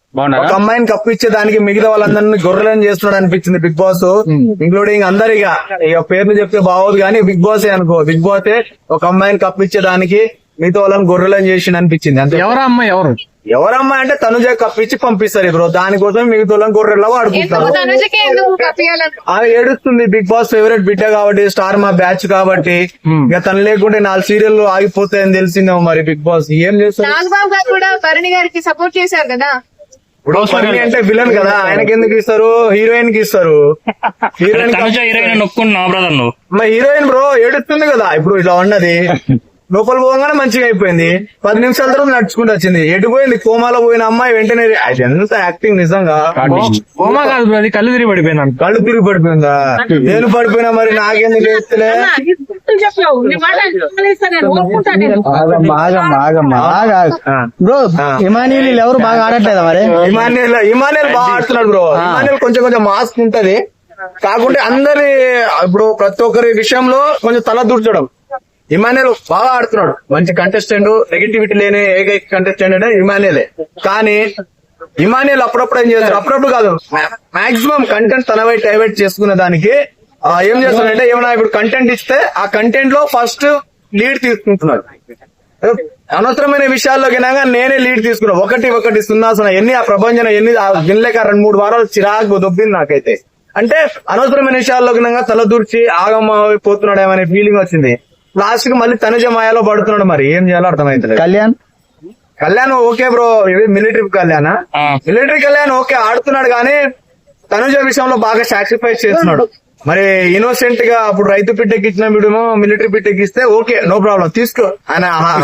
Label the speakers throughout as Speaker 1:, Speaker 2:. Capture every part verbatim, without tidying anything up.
Speaker 1: ఒక అమ్మాయిని కప్పిచ్చే దానికి మిగతా వాళ్ళందరినీ గొర్రెలను చేస్తున్నాడు అనిపించింది బిగ్ బాస్, ఇంక్లూడింగ్ అందరిగా. ఇక పేర్లు చెప్తే బాగోదు కానీ బిగ్ బాస్ అనుకో, బిగ్ బాస్ ఒక అమ్మాయిని కప్పిచ్చే దానికి మిగతా వాళ్ళని గొర్రెలను చేసిండు అనిపించింది. అంతే.
Speaker 2: ఎవరా అమ్మాయి? ఎవరు
Speaker 1: ఎవరమ్మాయి అంటే తనుజ కప్పించి పంపిస్తారు బ్రో, దానికోసం మిగతా వాళ్ళని గొర్రెలా వాడుకుంటారు. ఆమె ఏడుస్తుంది, బిగ్ బాస్ ఫేవరెట్ బిడ్డ కాబట్టి, స్టార్ మా బ్యాచ్ కాబట్టి. ఇక తను లేకుంటే నాలుగు సీరియల్ ఆగిపోతాయని తెలిసిందేమో మరి బిగ్ బాస్ ఏం చేస్తారు.
Speaker 3: నాగబాబు గారు కూడా భరణి గారికి సపోర్ట్ చేశారు కదా.
Speaker 1: ఇప్పుడు భరణి అంటే విలన్ కదా, ఆయనకి ఎందుకు ఇస్తారు, హీరోయిన్ కి ఇస్తారు. హీరోయిన్
Speaker 2: హీరోయిన్ ఒప్పుకున్నా బ్రదర్ నువ్వు.
Speaker 1: మా హీరోయిన్ బ్రో ఏడుస్తుంది కదా ఇప్పుడు ఇట్లా ఉన్నది. లోపల పోగానే మంచిగా అయిపోయింది, పది నిమిషాల తర్వాత నడుచుకుంటూ వచ్చింది. ఎటు పోయింది, కోమాలో పోయిన అమ్మాయి వెంటనే అది ఎంత యాక్టింగ్ నిజంగా.
Speaker 2: కోమా కాదు, అది కళ్ళు తిరిగి పడిపోయినా.
Speaker 1: కళ్ళు తిరిగి పడిపోయిందా? నేను పడిపోయినా మరి నాకెందుకు ఎత్తులే.
Speaker 4: బ్రో ఇమానియల్ ఎవరు బాగా ఆడట్లేదా మరి?
Speaker 1: ఇమానియల్ ఇమానియల్ బాగా ఆడుతున్నాడు బ్రో. ఇమానియల్ కొంచెం కొంచెం మాస్క్ ఉంటది, కాకుంటే అందరి ఇప్పుడు ప్రతి ఒక్కరి విషయంలో కొంచెం తల దూర్చడం. ఇమానియల్ బాగా ఆడుతున్నాడు, మంచి కంటెస్టెంట్, నెగిటివిటీ లేని ఏకైక కంటెస్టెంట్ అంటే ఇమానియలే. కానీ ఇమానియల్ అప్పుడప్పుడు ఏం చేస్తాడు, అప్పుడప్పుడు కాదు మాక్సిమం కంటెంట్ తన వైపు డైవర్ట్ చేసుకునే దానికి ఏం చేస్తున్నాడంటే, ఏమైనా ఇప్పుడు కంటెంట్ ఇస్తే ఆ కంటెంట్ లో ఫస్ట్ లీడ్ తీసుకుంటున్నాడు. అనవసరమైన విషయాల్లోకి నేనే లీడ్ తీసుకున్నా, ఒకటి ఒకటి సున్నా సున్నా ఎన్ని ఆ ప్రపంచం ఎన్ని వినలేక రెండు మూడు వారాలు చిరాకు దొబ్బింది నాకైతే. అంటే అనవసరమైన విషయాల్లోకి తల దూర్చి ఆగమ్మ పోతున్నాడు ఏమనే ఫీలింగ్ వచ్చింది. లాస్ట్ కి మళ్ళీ తనుజ మాయలో పడుతున్నాడు, మరి ఏం చేయాలో అర్థమైతే.
Speaker 4: కళ్యాణ్
Speaker 1: కళ్యాణ్ ఓకే బ్రో, ఇది military Kalyan military Kalyan okay ఆడుతున్నాడు, కానీ తనుజ విషయంలో బాగా సాక్రిఫైస్ చేస్తున్నాడు. మరి ఇన్నోసెంట్ గా అప్పుడు రైతు పిట్టకి ఇచ్చిన వీడేమో మిలిటరీ పిట్టకి ఇస్తే ఓకే నో ప్రాబ్లం తీసుకో ఆయన.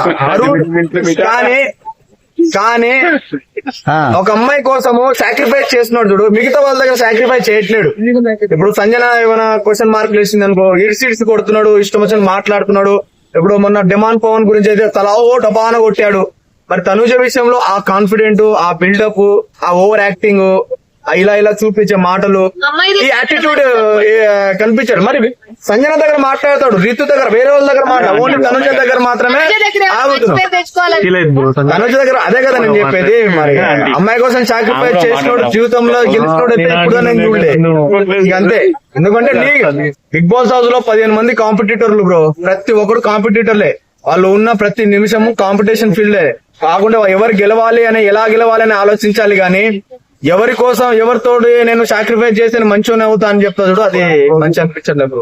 Speaker 1: కానీ కానీ ఒక అమ్మాయి కోసము సాక్రిఫైస్ చేస్తున్నాడు చూడు, మిగతా వాళ్ళ దగ్గర సాక్రిఫైస్ చేయట్లేడు. ఇప్పుడు సంజన ఏమైనా క్వశ్చన్ మార్కులు వేసింది అనుకో, ఇడిసి ఇడిసి కొడుతున్నాడు, ఇష్టం వచ్చిన మాట్లాడుతున్నాడు. ఇప్పుడు మొన్న డిమాండ్ పవన్ గురించి అయితే తలా ఓ టపాన కొట్టాడు. మరి తనుజ విషయంలో ఆ కాన్ఫిడెంట్, ఆ బిల్డప్, ఆ ఓవర్ యాక్టింగ్, ఇలా ఇలా చూపించే మాటలు, ఈ యాటిట్యూడ్ కనిపించాడు. మరి సంజన దగ్గర మాట్లాడతాడు, రీతు దగ్గర, వేరే వాళ్ళ దగ్గర మాట్లాడు, ఓన్లీ తనుజ దగ్గర మాత్రమే ఆగుతున్నాడు. తనుజ దగ్గర అదే కదా నేను చెప్పేది. మరి అమ్మాయి కోసం సాక్రిఫైస్ చేసినోడు జీవితంలో గెలిచినోడు అయితే ఇప్పుడు నేను చూడలే. అంతే, ఎందుకంటే బిగ్ బాస్ హౌస్ లో పదిహేను మంది కాంపిటీటర్లు బ్రో, ప్రతి ఒక్కరు కాంపిటీటర్లే. వాళ్ళు ఉన్న ప్రతి నిమిషము కాంపిటీషన్ ఫీల్డే. కాకుండా ఎవరు గెలవాలి అని, ఎలా గెలవాలి అని ఆలోచించాలి, గానీ ఎవరి కోసం ఎవరితో నేను సాక్రిఫైస్ చేసి మంచిగానే అవుతా అని చెప్తా చూడు, అది మంచి అనిపించలేదు.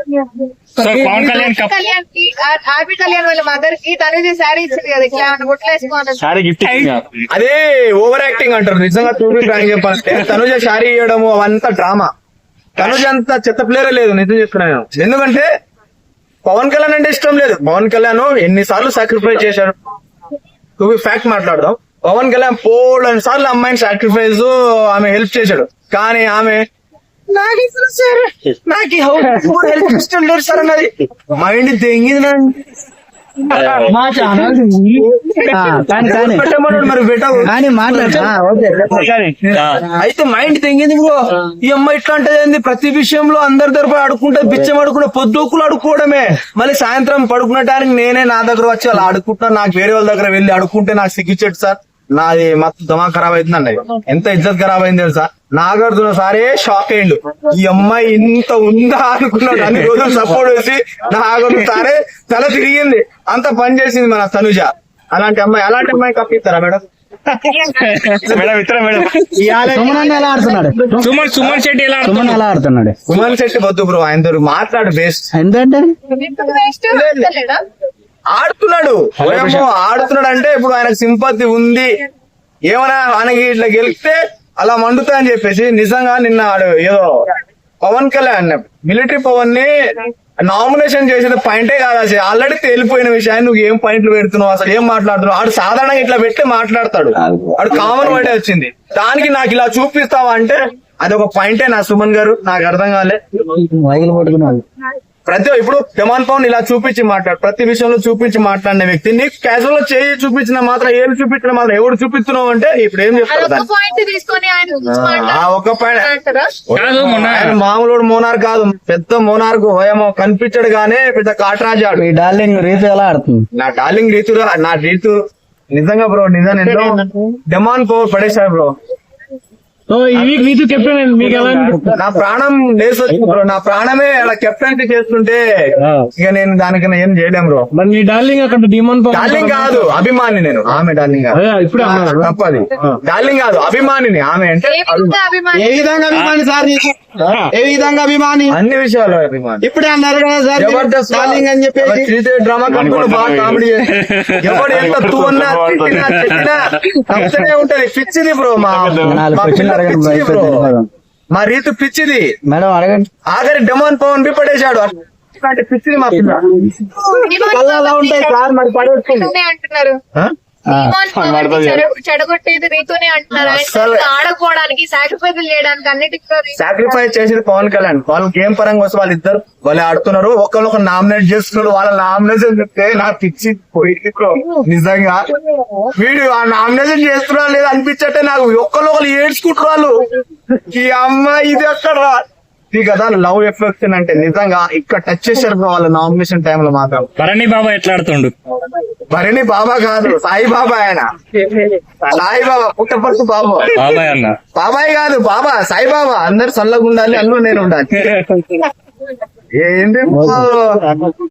Speaker 2: పవన్ కళ్యాణ్
Speaker 3: ఆర్పి కళ్యాణ్ వాళ్ళ మదర్ కి తనుజ శారీ ఇచ్చింది కదా, ఇట్లా గుట్లేసుకోవాలి.
Speaker 1: అదే ఓవర్ యాక్టింగ్ అంటారు. నిజంగా చూపి చెప్పాలంటే తనుజ శారీ ఇవ్వడము అవంతా డ్రామా. తనుజ అంతా చెత్త ప్లేయర్ లేదు, నిజం చెప్తున్నాను. ఎందుకంటే పవన్ కళ్యాణ్ అంటే ఇష్టం లేదు. పవన్ కళ్యాణ్ ఎన్నిసార్లు సాక్రిఫైస్ చేశాడు, చూపి ఫ్యాక్ట్ మాట్లాడదాం. పవన్ కళ్యాణ్ పోలని సార్లు అమ్మాయిని సాక్రిఫైస్ ఆమె హెల్ప్ చేశాడు, కానీ ఆమె నాకు నాకు హెల్ప్ ఇష్టం లేదు సార్ అన్నది. మైండ్ తెంగింది
Speaker 4: మా ఛానల్
Speaker 1: మరి బెటర్
Speaker 4: కానీ మాట్లాడతా.
Speaker 1: అయితే మైండ్ తెంగింది బ్రో. ఈ అమ్మాయి ఇట్లా అంటే ప్రతి విషయంలో అందరి తరపు అడుక్కుంటే బిచ్చం అడుకుంటే పొద్దుకులు అడుక్కోవడమే. మళ్ళీ సాయంత్రం పడుకునేటానికి నేనే నా దగ్గర వచ్చి అలా అడుక్కుంటున్నా, నాకు వేరే వాళ్ళ దగ్గర వెళ్ళి అడుక్కుంటే నాకు సిగ్గిచ్చాడు సార్, నాది మొత్తం దమా ఖరాబ్ అవుతుందండి. ఎంత ఇజ్జత్ ఖరాబ్ అయింది తెలుసా. నాగార్జున సారే షాక్ అయ్యిండు, ఈ అమ్మాయి ఇంత ఉందా అనుకున్నాడు. అన్ని రోజులు సపోర్ట్ వేసి నాగార్జున సారే తల తిరిగింది, అంత పని చేసింది మన తనుజ. అలాంటి అమ్మాయి అలాంటి అమ్మాయి కప్పిస్తారా మేడం?
Speaker 2: మేడం ఇతర మేడం
Speaker 4: సుమన్ ఎలా ఆడుతున్నాడు?
Speaker 2: సుమన్ సుమన్ శెట్టి ఎలా
Speaker 4: సుమన్ ఎలా ఆడుతున్నాడు?
Speaker 1: సుమన్ శెట్టి వద్దు బ్రో, ఆయన మాట్లాడు బెస్ట్.
Speaker 4: ఎందుకంటే
Speaker 1: ఆడుతున్నాడు ఏమో ఆడుతున్నాడు అంటే ఇప్పుడు ఆయనకు సింపతి ఉంది. ఏమైనా ఆయనకి ఇట్లా గెలిస్తే అలా మండుతా అని చెప్పేసి నిజంగా నిన్న ఏదో పవన్ కళ్యాణ్ మిలిటరీ పవన్ ని నామినేషన్ చేసేది పాయింటే కాదు, అసలు ఆల్రెడీ తేలిపోయిన విషయాన్ని నువ్వు ఏం పాయింట్లు పెడుతున్నావు, అసలు ఏం మాట్లాడుతున్నావు. ఆడు సాధారణంగా ఇట్లా పెట్టి మాట్లాడతాడు, ఆడు కామన్ వర్డే వచ్చింది. దానికి నాకు ఇలా చూపిస్తావా అంటే అది ఒక పాయింటే నా సుమన్ గారు, నాకు అర్థం కాలే. ప్రతి ఇప్పుడు జమాన్ పవన్ ఇలా చూపించి మాట్లాడు, ప్రతి విషయంలో చూపించి మాట్లాడిన వ్యక్తి నీకు క్యాజువల్ గా చేయి చూపించిన మాత్రం ఏం చూపించిన మాత్రం ఎవరు చూపిస్తున్నావు అంటే ఇప్పుడు ఏం చెప్తారు. ఒక పాయింట్ మామూలు మోనార్ కాదు, పెద్ద మోనార్కు ఏమో కనిపించడు గానే పెద్ద కాటరాజాడు.
Speaker 4: ఈ డార్లింగ్ రీతు ఎలా ఆడుతుంది?
Speaker 1: నా డార్లింగ్ రీతు నా రీతు నిజంగా బ్రో, నిజంగా జమాన్ పవర్ పడేశారు బ్రో.
Speaker 2: సో ఈ వీక్ నీతు కెప్టెన్ మీకు ఎలా అనిపిస్తుంది?
Speaker 1: నా ప్రాణం లేసొచ్చింది బ్రో. నా ప్రాణమే అలా కెప్టెన్సీ చేస్తుంటే ఇక నేను దానికన్నా ఏం చేయలేం బ్రో.
Speaker 2: మరి నీ డార్లింగ్ అక్కడ డిమాండ్
Speaker 1: డార్లింగ్ కాదు, అభిమాని నేను. ఆమె డార్లింగ్ కాదు.
Speaker 2: ఇప్పుడు
Speaker 1: తప్పది. డార్లింగ్ కాదు, అభిమానిని. ఆమె అంటే
Speaker 3: ఏ విధంగా అభిమాని?
Speaker 4: ఏ విధంగా అభిమాని సార్ నీకు? ఏ విధంగా అభిమాని?
Speaker 1: అన్ని విషయాలు అభిమాని.
Speaker 4: ఇప్పుడే అన్నారు కదా సార్
Speaker 1: జబర్దస్త్
Speaker 4: డార్లింగ్ అని చెప్పేసి.
Speaker 1: శ్రీదేవి డ్రామా కంపెనీ బాగా కామెడీ ఎవడు ఎంత తూ అన్నా తిట్టినా చెప్పినా తప్పనే ఉంటది. పిచ్చిది బ్రో. మా
Speaker 4: నాలుగు
Speaker 1: మా
Speaker 4: క్వశ్చన్లు
Speaker 1: పిల్ల
Speaker 4: అడగండి బ్రో,
Speaker 1: పిచ్చిది బ్రో.
Speaker 4: అయిపోతుంది.
Speaker 1: మా రీతు పిచ్చిది.
Speaker 4: మేడం అడగండి.
Speaker 1: ఆఖరి డెమాన్ పవన్ బి పడేశాడు. అట్లాంటి పిచ్చిది మా పిల్ల.
Speaker 4: కళ్ళు అలా ఉంటాయి సార్, మరి పడేస్తుంది.
Speaker 3: రీతూనే అంటున్నారు.
Speaker 1: ఆ?
Speaker 3: ఇమాన్ పవన్ ని చెడ- చెడగొట్టేది రీతూనే అంటున్నారు. ఆయన
Speaker 1: అస్సలు.
Speaker 3: ఆడకపోవడానికి సాక్రిఫైస్ చేయడానికి అన్నిటికీ
Speaker 1: సాక్రిఫైస్ చేసేది పవన్ కళ్యాణ్. వాళ్ళు గేమ్ పరంగా వస్తే వాళ్ళు ఇద్దరు వాళ్ళు ఆడుతున్నారు. ఒకళ్ళు ఒక నామినేట్ చేస్తున్నారు. వాళ్ళ నామినేషన్ చెప్తే నాకు పిచ్చి పోయింది బ్రో. నిజంగా వీడు ఆ నామినేషన్ చేస్తున్నా లేదా అనిపించట్టే నాకు. ఒక్కళ్ళు ఒకళ్ళు ఏడ్చుకుంటారు వాళ్ళు. ఈ అమ్మాయి ఇది అక్కడ ఈ కదా లవ్ ఎఫెక్షన్ అంటే నిజంగా ఇక్కడ టచ్ చేశారు బ్రో వాళ్ళ నామినేషన్ టైంలో మాత్రం.
Speaker 2: భరణి బాబా ఎట్లా ఆడుతుండు?
Speaker 1: భరణి బాబా కాదు, సాయి బాబా. ఆయన సాయి బాబా పుట్టపర్తి బాబా.
Speaker 2: బాబాయ్ అన్న
Speaker 1: బాబాయ్ కాదు, బాబా సాయి బాబా. అందరు చల్లగా ఉండాలి, అన్ను నేను ఉండాలి. ఏంటి బ్రో?